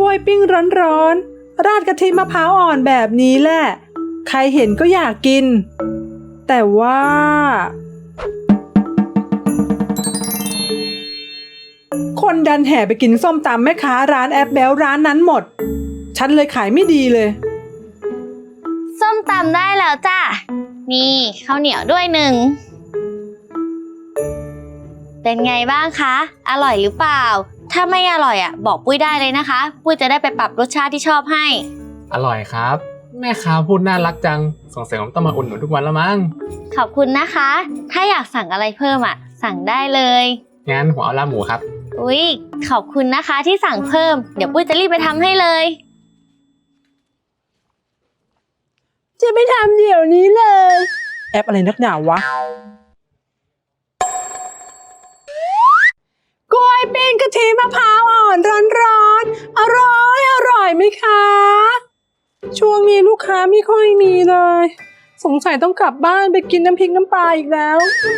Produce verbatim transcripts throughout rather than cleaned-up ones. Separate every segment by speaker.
Speaker 1: วยปิ้งร้อนๆราดกะทิมะพร้าวอ่อนแบบนี้แหละใครเห็นก็อยากกินแต่ว่าคนดันแห่ไปกินส้มตำแม่ค้าร้านแอปเบลร้านนั้นหมดฉันเลยขายไม่ดีเลย
Speaker 2: ส้มตำได้แล้วจ้ะนี่ข้าวเหนียวด้วยหนึ่งเป็นไงบ้างคะอร่อยหรือเปล่าถ้าไม่อร่อยอ่ะบอกปุ้ยได้เลยนะคะปุ้ยจะได้ไปปรับรสชาติที่ชอบให้
Speaker 3: อร่อยครับแม่ค้าพูดน่ารักจังสงสัยผมต้องมาอุ่นหนุนทุกวันแล้วมั้ง
Speaker 2: ขอบคุณนะคะถ้าอยากสั่งอะไรเพิ่มอ่ะสั่งได้เลย
Speaker 3: งั้นผมเอาลาบหมูครับ
Speaker 2: อุ๊ยขอบคุณนะคะที่สั่งเพิ่มเดี๋ยวปุ้ยจะรีบไปทำให้เลย
Speaker 1: จะไปทำเดี๋ยวนี้เลยแอปอะไรนักหนาวะกล้วยปิ้งกะทิมะพร้าวอ่อนร้อนๆอร่อยอร่อยไหมคะช่วงนี้ลูกค้าไม่ค่อยมีเลยสงสัยต้องกลับบ้านไปกินน้ำพริกน้ำปลาอีกแล้ว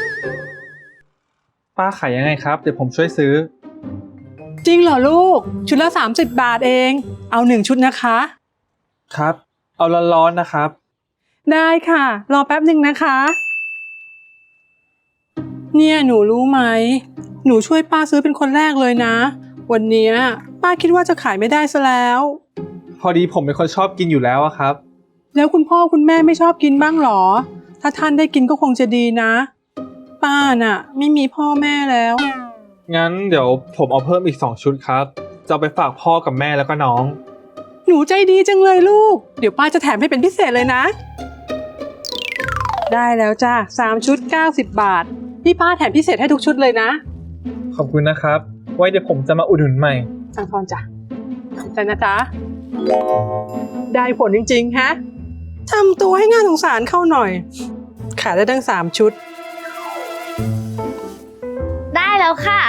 Speaker 4: ป้าขายยังไงครับเดี๋ยวผมช่วยซื้อ
Speaker 1: จริงเหรอลูกชุดละสามสิบบาทเองเอาหนึ่งชุดนะคะ
Speaker 4: ครับเอาร้อนๆนะครับ
Speaker 1: ได้ค่ะรอแป๊บหนึ่งนะคะเนี่ยหนูรู้ไหมหนูช่วยป้าซื้อเป็นคนแรกเลยนะวันนี้ป้าคิดว่าจะขายไม่ได้ซะแล้ว
Speaker 4: พอดีผมเป็นคนชอบกินอยู่แล้วอะครับ
Speaker 1: แล้วคุณพ่อคุณแม่ไม่ชอบกินบ้างหรอถ้าท่านได้กินก็คงจะดีนะป้าน่ะไม่มีพ่อแม่แล้ว
Speaker 4: งั้นเดี๋ยวผมเอาเพิ่มอีกสองชุดครับจะไปฝากพ่อกับแม่แล้วก็น้อง
Speaker 1: หนูใจดีจังเลยลูกเดี๋ยวป้าจะแถมให้เป็นพิเศษเลยนะได้แล้วจ้าสามชุดเก้าสิบบาทพี่ป้าแถมพิเศษให้ทุกชุดเลยนะ
Speaker 4: ขอบคุณนะครับไว้เดี๋ยวผมจะมาอุดหนุนใหม่
Speaker 1: สั่งทอนจ้ะแต่นะจ๊ะได้ผลจริงๆฮะทำตัวให้น่าสงสารเข้าหน่อยขายได้ตั้งสามชุด
Speaker 2: ได้แล้วค่ะ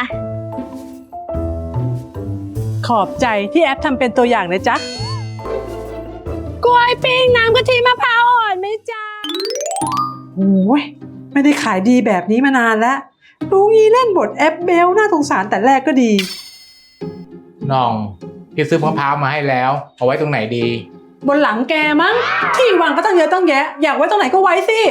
Speaker 1: ขอบใจที่แอปทำเป็นตัวอย่างนะจ๊ะกล้วยปิ้งน้ำกะทิมะพร้าวอ่อนไหมจ๊ะโอ้ยไม่ได้ขายดีแบบนี้มานานแล้วรู้งี้เล่นบทแอปเบลน่าสงสารแต่แรกก็ดี
Speaker 3: น้องพี่ซื้อมะพร้าวมาให้แล้วเอาไว้ตรงไหนดี
Speaker 1: บนหลังแกมั้งที่วางก็ตั้งเยอะตั้งแยะอยากไว้ตรงไหนก็ไว้สิ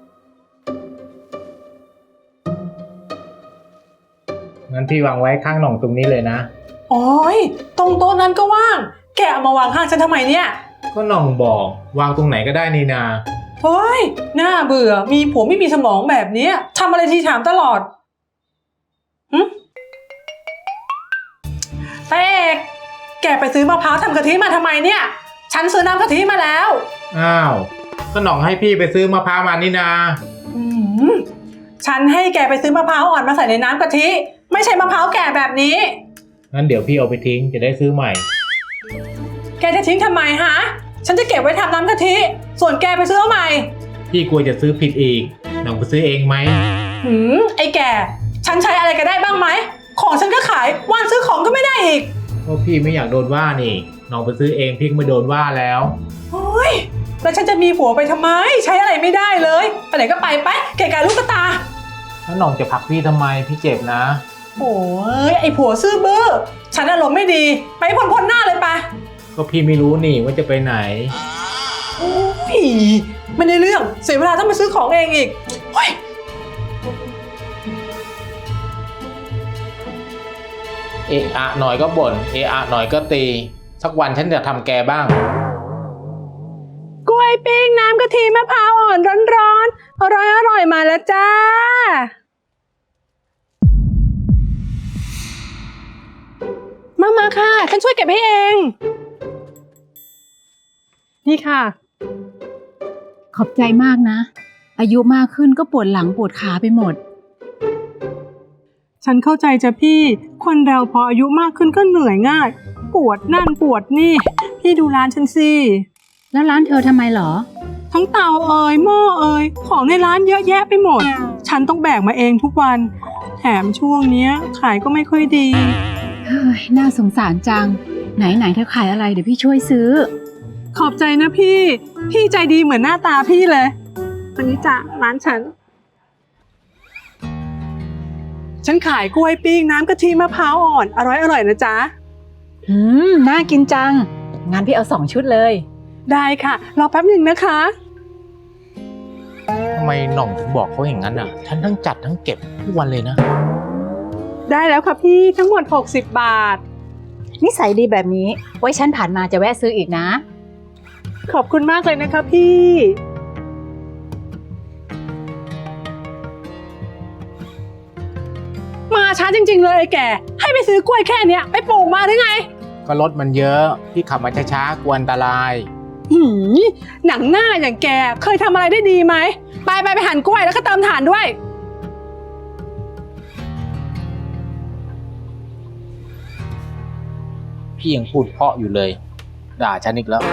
Speaker 3: งั้นพี่วางไว้ข้างหน่องตรงนี้เลยนะ
Speaker 1: โอ้ยตรงโต๊ะนั้นก็ว่างแกเอามาวางข้างฉันทำไมเนี่ย
Speaker 3: ก็หน่องบอกวางตรงไหนก็ได้นี่นา
Speaker 1: เฮ้ยน่าเบื่อมีผัวไม่มีสมองแบบนี้ทำอะไรทีถามตลอดหึเป๊กแกไปซื้อมะพร้าวทำกะทิมาทำไมเนี่ยฉันซื้อน้ำกะทิมาแล้ว
Speaker 3: อ้าวก็หน่องให้พี่ไปซื้อมะพร้าวมานี่นา
Speaker 1: อืมฉันให้แกไปซื้อมะพร้าวอ่อนมาใส่ในน้ำกะทิไม่ใช่มะพร้าวแก่แบบนี้
Speaker 3: งั้นเดี๋ยวพี่เอาไปทิ้งจะได้ซื้อใหม่
Speaker 1: แกจะทิ้งทำไมฮะฉันจะเก็บไว้ทำน้ำกะทิส่วนแกไปซื้อใหม่
Speaker 3: พี่กลัวจะซื้อผิดอีกหน่องไปซื้อเองไหม
Speaker 1: หืมไอ้แกฉันใช้อะไรก็ได้บ้างไหมของฉันก็ขายวันซื้อของก็ไม่ได้อีก
Speaker 3: ก็พี่ไม่อยากโดนว่านี่หน่องไปซื้อเองพี่ไม่โดนว่าแล้ว
Speaker 1: โอ้ยแล้วฉันจะมีผัวไปทำไมใช้อะไรไม่ได้เลยไปไหนก็ไปไปเกะกะลูกตา
Speaker 3: แล้วหน่องจะผลักพี่ทำไมพี่เจ็บนะ
Speaker 1: โอ้ยไอ้ผัวซื่อบื้อฉันอารมณ์ไม่ดีไปพ้นพ้นหน้าเลยไป
Speaker 3: ก็พี่ไม่รู้นี่ว่าจะไปไหน
Speaker 1: โอ้ยไม่ได้เรื่องเสียเวลาต้องไปซื้อของเองอีกโอ้ย
Speaker 3: เอะอะหน่อยก็บ่นเอะอะหน่อยก็ตีสักวันฉันจะทำแกบ้าง
Speaker 1: กล้วยปิ้งน้ำกะทิมะพร้าวอ่อนร้อนๆอร่อยอร่อยมาแล้วจ้ามามาค่ะฉันช่วยเก็บให้เองนี่ค่ะ
Speaker 5: ขอบใจมากนะอายุมากขึ้นก็ปวดหลังปวดขาไปหมด
Speaker 1: ฉันเข้าใจจ้ะพี่คนเราพออายุมากขึ้นก็เหนื่อยง่ายปวดนั่นปวดนี่พี่ดูร้านฉันสิ
Speaker 5: แล้วร้านเธอทำไมหรอ
Speaker 1: ทั้งเตาเอ่ยหม้อเอ่ยของในร้านเยอะแยะไปหมดฉันต้องแบกมาเองทุกวันแถมช่วงนี้ขายก็ไม่ค่อยดี
Speaker 5: เฮ้ยน่าสงสารจังไหนไหนเธอขายอะไรเดี๋ยวพี่ช่วยซื้อ
Speaker 1: ขอบใจนะพี่พี่ใจดีเหมือนหน้าตาพี่เลยวันนี้จ้ะร้านฉันฉันขายกล้วยปิ้งน้ำกะทิมะพร้าวอ่อนอร่อยอร่อยนะจ๊ะ
Speaker 5: อืม น่ากินจัง งั้นพี่เอาสองชุดเลย
Speaker 1: ได้ค่ะ รอแป๊บหนึ่งนะคะ
Speaker 3: ทำไมหน่องถึงบอกเขาอย่างนั้นอ่ะ ฉันทั้งจัดทั้งเก็บทุกวันเลยนะ
Speaker 1: ได้แล้วค่ะพี่ทั้งหมดหกสิบบาท
Speaker 5: นิสัยดีแบบนี้ ไว้ฉันผ่านมาจะแวะซื้ออีกนะ
Speaker 1: ขอบคุณมากเลยนะคะพี่ มาช้าจริงๆเลยไอ้แก ให้ไปซื้อกล้วยแค่เนี้ยไปปลูกมาหรือไง
Speaker 3: ก็รถมันเยอะพี่ขับมาช้าๆกลัวอันตราย
Speaker 1: หืมหนังหน้าอย่างแกเคยทำอะไรได้ดีไหมไปไปไปหั่นกล้วยแล้วก็เติมถ่านด้วย
Speaker 3: พี่ยังพูดเพราะอยู่เลย ด่าฉันอีกแล้ว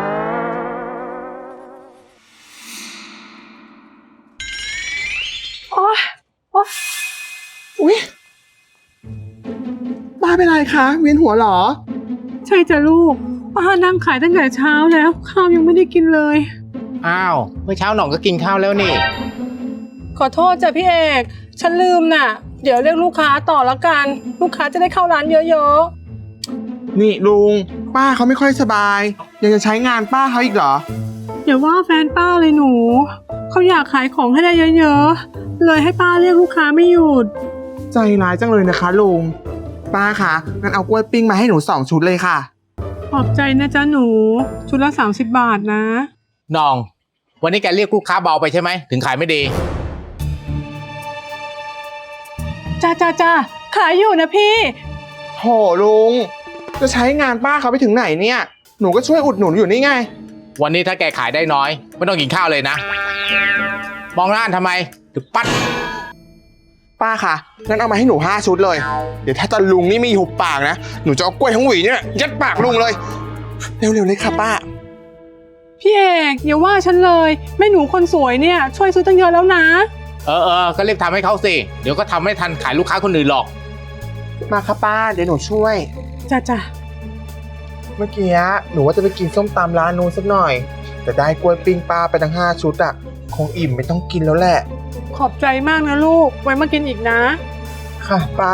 Speaker 1: โอ๊ยโอ๊ย
Speaker 6: อุ๊ยป้าเป็นไรคะเวียนหัวเหรอ
Speaker 1: ใช่จ้ะลูกป้านั่งขายตั้งแต่เช้าแล้วข้าวยังไม่ได้กินเลย
Speaker 3: อ้าวเมื่อเช้าหน่องก็กินข้าวแล้วนี่
Speaker 1: ขอโทษจ้ะพี่เอกฉันลืมน่ะ เดี๋ยวเรียกลูกค้าต่อละกัน ลูกค้าจะได้เข้าร้านเยอะ
Speaker 6: นี่ลุง ป้าเขาไม่ค่อยสบาย ยังจะใช้งานป้าเขาอีกเหรอ
Speaker 1: ๆอย่าว่าแฟนป้าเลยหนูเขาอยากขายของให้ได้เยอะๆเลยให้ป้าเรียกลูกค้าไม่หยุด
Speaker 6: ใจร้ายจังเลยนะคะลุง ป้าคะงั้นเอากล้วยปิ้งมาให้หนูสองชุดเลยค่ะ
Speaker 1: ขอบใจนะจ๊ะหนูชุดละสามสิบบาทนะ
Speaker 3: น้อง วันนี้แกเรียกลูกค้าเบาไปใช่ไหมถึงขายไม่ดี
Speaker 1: จ้าจ้าจ้าขายอยู่นะพี่
Speaker 6: โถลุง จะใช้งานป้าเขาไปถึงไหนเนี่ย หนูก็ช่วยอุดหนุนอยู่นี่ไง
Speaker 3: วันนี้ถ้าแกขายได้น้อยไม่ต้องกินข้าวเลยนะ มองหน้าทำไมถึงปัด
Speaker 6: ป้าคะงั้นเอามาให้หนูห้าชุดเลย เดี๋ยวถ้าตาลุงนี่มีหุบปากนะ หนูจะเอากล้วยทั้งหวีเนี่ยยัดปากลุงเลย เร็วๆเลยค่ะป้า
Speaker 1: พี่เอกอย่าว่าฉันเลยแม่หนูคนสวยเนี่ยช่วยซื้อตั้งเยอะแล้วนะ
Speaker 3: เออเออก็รีบทำให้เขาสิ เดี๋ยวก็ทำไม่ทันขายลูกค้าคนอื่นหรอก
Speaker 6: มาค่ะป้า เดี๋ยวหนูช่วย
Speaker 1: จ้าจ้า
Speaker 6: เมื่อกี้หนูว่าจะไปกินส้มตำร้านนู้นสักหน่อย แต่ได้กล้วยปิ้งป้าไปทั้งห้าชุดอะคงอิ่มไม่ต้องกินแล้วแหละ
Speaker 1: ขอบใจมากนะลูกไว้มากินอีกนะ
Speaker 6: ค่ะป้า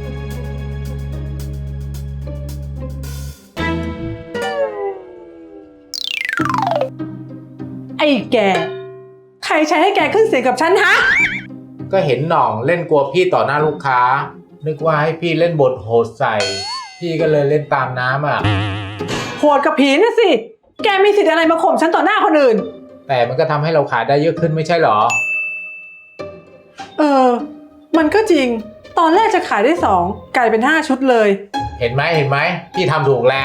Speaker 1: ไอ้แกใครใช้ให้แกขึ้นเสียงกับฉันฮะ
Speaker 3: ก็เห็นหน่องเล่นกลัวพี่ต่อหน้าลูกค้า นึกว่าให้พี่เล่นบทโหดใส่ พี่ก็เลยเล่นตามน้ำอ่ะ
Speaker 1: โหดกับผีนะสิ แกมีสิทธิ์อะไรมาข่มฉันต่อหน้าคนอื่น
Speaker 3: แต่มันก็ทำให้เราขายได้เยอะขึ้นไม่ใช่หรอ
Speaker 1: เออ มันก็จริง ตอนแรกจะขายได้สองกลายเป็นห้าชุดเลย
Speaker 3: เห็นไหมเห็นไหมพี่ทำถูกแล้ว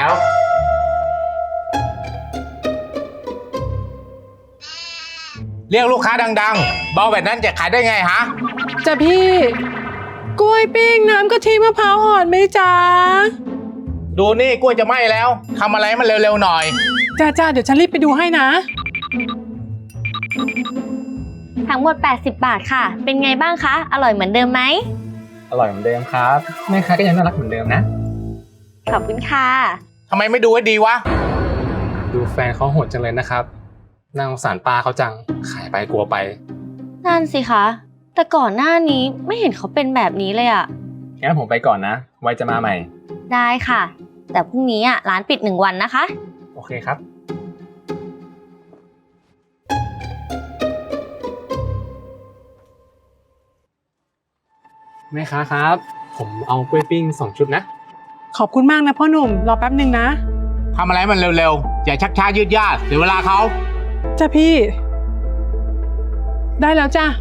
Speaker 3: เรียกลูกค้าดังๆ เบาแบบนั้นจะขายได้ไงฮะ
Speaker 1: จ้ะพี่ กล้วยปิ้งน้ำกะทิมะพร้าวอ่อนไหมจ๊ะ
Speaker 3: ดูนี่กล้วยจะไหม้แล้วทำอะไรให้มันเร็วๆหน่อย
Speaker 1: จ้าจ้าเดี๋ยวฉันรีบไปดูให้นะ
Speaker 2: ทั้งหมดแปดสิบบาทค่ะ เป็นไงบ้างคะ อร่อยเหมือนเดิมไหม
Speaker 4: อร่อยเหมือนเดิมครับแม่ค้าก็ยังน่ารักเหมือนเดิมนะ
Speaker 2: ขอบคุณค่ะ
Speaker 3: ทำไมไม่ดูให้ดีวะ
Speaker 4: ดูแฟนเขาโหดจังเลยนะครับน่าสงสารป้าเขาจัง ขายไปกลัวไป
Speaker 2: นั่นสิคะ แต่ก่อนหน้านี้ไม่เห็นเขาเป็นแบบนี้เลยอะ
Speaker 4: งั้นผมไปก่อนนะ ไว้จะมาใหม่
Speaker 2: ได้ค่ะ แต่พรุ่งนี้อะร้านปิดหนึ่งวันนะคะ
Speaker 4: โอเคครับ แม่ค้าครับ ผมเอากล้วยปิ้งสองชุดนะ
Speaker 1: ขอบคุณมากนะพ่อหนุ่มรอแป๊บหนึ่งนะ
Speaker 3: ทำอะไรให้มันเร็วๆ อย่าชักช้ายืดยาดเสียเวลาเขา
Speaker 1: จ้าพี่ ได้แล้วจ้า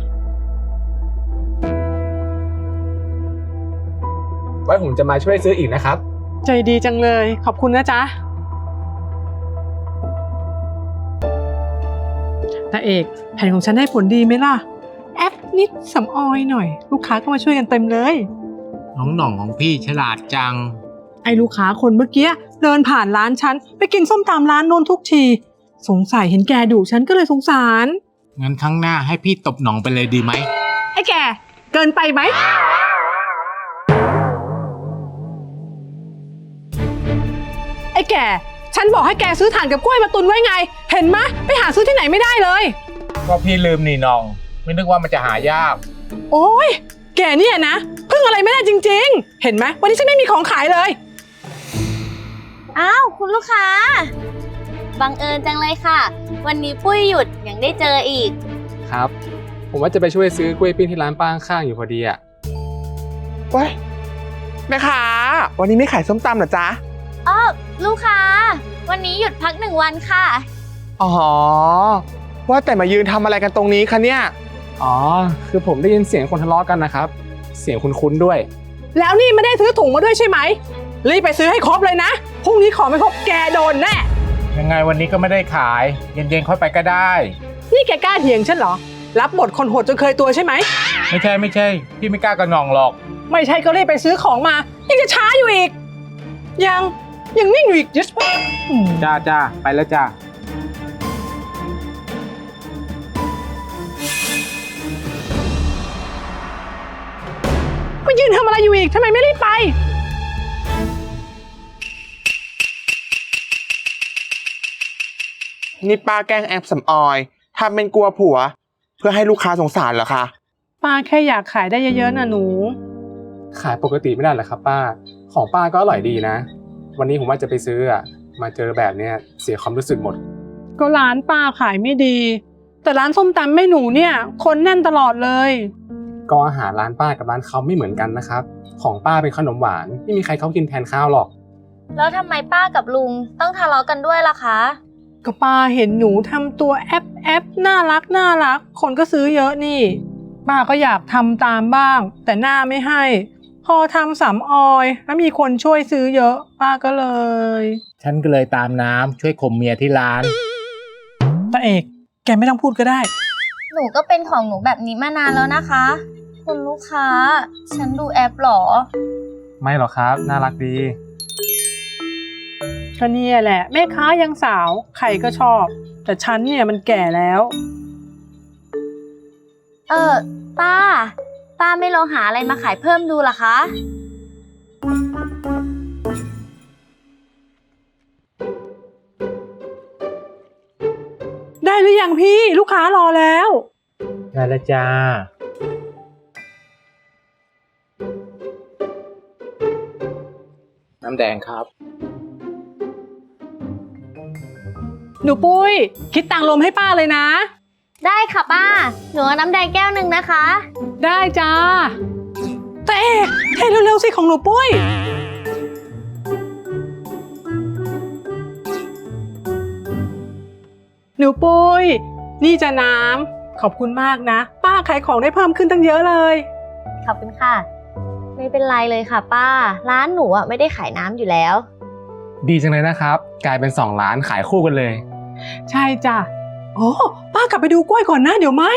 Speaker 4: ไว้ผมจะมาช่วยซื้ออีกนะครับ
Speaker 1: ใจดีจังเลย ขอบคุณนะจ๊ะตาเอกแผนของฉันได้ผลดีไหมล่ะ แอปนิดสำออยหน่อย ลูกค้าก็มาช่วยกันเต็มเลย
Speaker 3: น้องหน่องของพี่ฉลาดจัง
Speaker 1: ไอ้ลูกค้าคนเมื่อกี้เดินผ่านร้านฉันไปกินส้มตำร้านโน้นทุกที สงสัยเห็นแกดุฉันก็เลยสงสาร
Speaker 3: งั้นครั้งหน้าให้พี่ตบหน่องไปเลยดีไหม
Speaker 1: ไอ้แกเกินไปไหมไอ้แกฉันบอกให้แกซื้อถ่านกับกล้วยมาตุนไว้ไง เห็นไหมไปหาซื้อที่ไหนไม่ได้เลย
Speaker 3: ก็พี่ลืมนี่น้อง ไม่นึกว่ามันจะหายาก
Speaker 1: โอ้ยแกเนี่ยนะพึ่งอะไรไม่ได้จริงๆ เห็นไหมวันนี้ฉันไม่มีของขายเลย
Speaker 2: อ้าวคุณลูกค้า บังเอิญจังเลยค่ะ วันนี้ปุ้ยหยุดยังได้เจออีก
Speaker 7: ครับ ผมว่าจะไปช่วยซื้อกล้วยปิ้งที่ร้านป้าข้างๆอยู่พอดีอ่ะ
Speaker 6: เว้ยแม่ค้าวันนี้ไม่ขายส้มตำเหรอจ๊ะ
Speaker 2: อ้อลูกค้า วันนี้หยุดพักหนึ่งวันค่ะ
Speaker 6: อ๋อ ว่าแต่มายืนทำอะไรกันตรงนี้คะเนี่ย
Speaker 7: อ๋อ คือผมได้ยินเสียงคนทะเลาะกันนะครับ เสียงคุ้นๆด้วย
Speaker 1: แล้วนี่ไม่ได้ซื้อถุงมาด้วยใช่ไหมรีบไปซื้อให้ครบเลยนะพรุ่งนี้ของไม่ครบแกโดนแน่
Speaker 3: ยังไงวันนี้ก็ไม่ได้ขาย เย็นๆค่อยไปก็ได้
Speaker 1: นี่แกกล้าเถียงฉันเหรอรับบทคนโหดจนเคยตัวใช่ไหม
Speaker 3: ไม่ใช่ไม่ใช่ พี่ไม่กล้ากระหน่องหรอก
Speaker 1: ไม่ใช่ก็รีบไปซื้อของมายังจะช้าอยู่อีก ยังยังนิ่งอยู่อีกยัส
Speaker 7: จ้าจ้าไปแล้วจ้า
Speaker 1: มายืนทำอะไรอยู่อีกทำไมไม่รีบไป
Speaker 6: นี่ป้าแกล้งแอบสำออยทำเป็นกลัวผัว เพื่อให้ลูกค้าสงสารเหรอคะ
Speaker 1: ป้าแค่อยากขายได้เยอะๆนะหนู
Speaker 7: ขายปกติไม่ได้เหรอครับป้า ของป้าก็อร่อยดีนะ วันนี้ผมว่าจะไปซื้ออ่ะ มาเจอแบบเนี้ยเสียความรู้สึกหมด
Speaker 1: ก็ร้านป้าขายไม่ดี แต่ร้านส้มตำแม่หนูเนี่ย คนแน่นตลอดเลย
Speaker 7: ก็อาหารร้านป้ากับร้านเขาไม่เหมือนกันนะครับ ของป้าเป็นขนมหวานไม่มีใครเขากินแทนข้าวหรอก
Speaker 2: แล้วทำไมป้ากับลุงต้องทะเลาะกันด้วยล่ะคะ
Speaker 1: ก็ป้าเห็นหนูทำตัวแอปแอปน่ารักน่ารัก คนก็ซื้อเยอะนี่ ป้าก็อยากทำตามบ้าง แต่หน้าไม่ให้ พอทำสำออยแล้วมีคนช่วยซื้อเยอะ ป้าก็เลย
Speaker 3: ฉันก็เลยตามน้ำช่วยข่มเมียที่ร้าน
Speaker 1: ตาเอกแกไม่ต้องพูดก็ได้
Speaker 2: หนูก็เป็นของหนูแบบนี้มานานแล้วนะคะ คุณลูกค้า ฉันดูแอปหรอ
Speaker 7: ไม่หรอกครับ น่ารักดี
Speaker 1: ก็เนี่ยแหละแม่ค้ายังสาวใครก็ชอบ แต่ฉันเนี่ยมันแก่แล้ว
Speaker 2: เออป้า ป้าไม่ลองหาอะไรมาขายเพิ่มดูล่ะคะ
Speaker 1: ได้หรือยังพี่ลูกค้ารอแล้ว
Speaker 3: ได้แล้วจ้า น้ำแดงครับ
Speaker 1: หนูปุ้ย คิดตังค์ลมให้ป้าเลยนะ
Speaker 2: ได้ค่ะป้า หนูเอาน้ำแดงแก้วหนึ่งนะคะ
Speaker 1: ได้จ้าแต่เอกเทเร็วๆสิของหนูปุ้ย หนูปุ้ย นี่จะน้ำขอบคุณมากนะ ป้าขายของได้เพิ่มขึ้นตั้งเยอะเลย
Speaker 2: ขอบคุณค่ะ ไม่เป็นไรเลยค่ะป้า ร้านหนูอ่ะไม่ได้ขายน้ำอยู่แล้ว
Speaker 7: ดีจังเลยนะครับ กลายเป็นสองร้านขายคู่กันเลย
Speaker 1: ใช่จ้ะโอ้ป้ากลับไปดูกล้วยก่อนนะเดี๋ยวไหม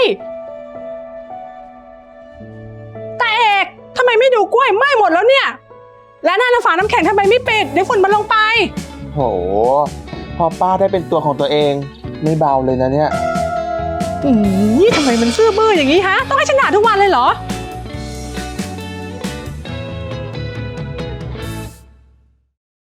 Speaker 1: แต่เอกทำไมไม่ดูกล้วยไหม้หมดแล้วเนี่ย และหน้าน้ำฝาน้ำแข็งทำไมไม่ปิดเดี๋ยวฝุ่นมันลงไป
Speaker 6: โห พอป้าได้เป็นตัวของตัวเอง ไม่เบาเลยนะเนี่ย
Speaker 1: อืมนี่ทำไมมันซื่อบื้ออย่างนี้ฮะ ต้องให้ฉันด่าทุกวันเลยเหรอ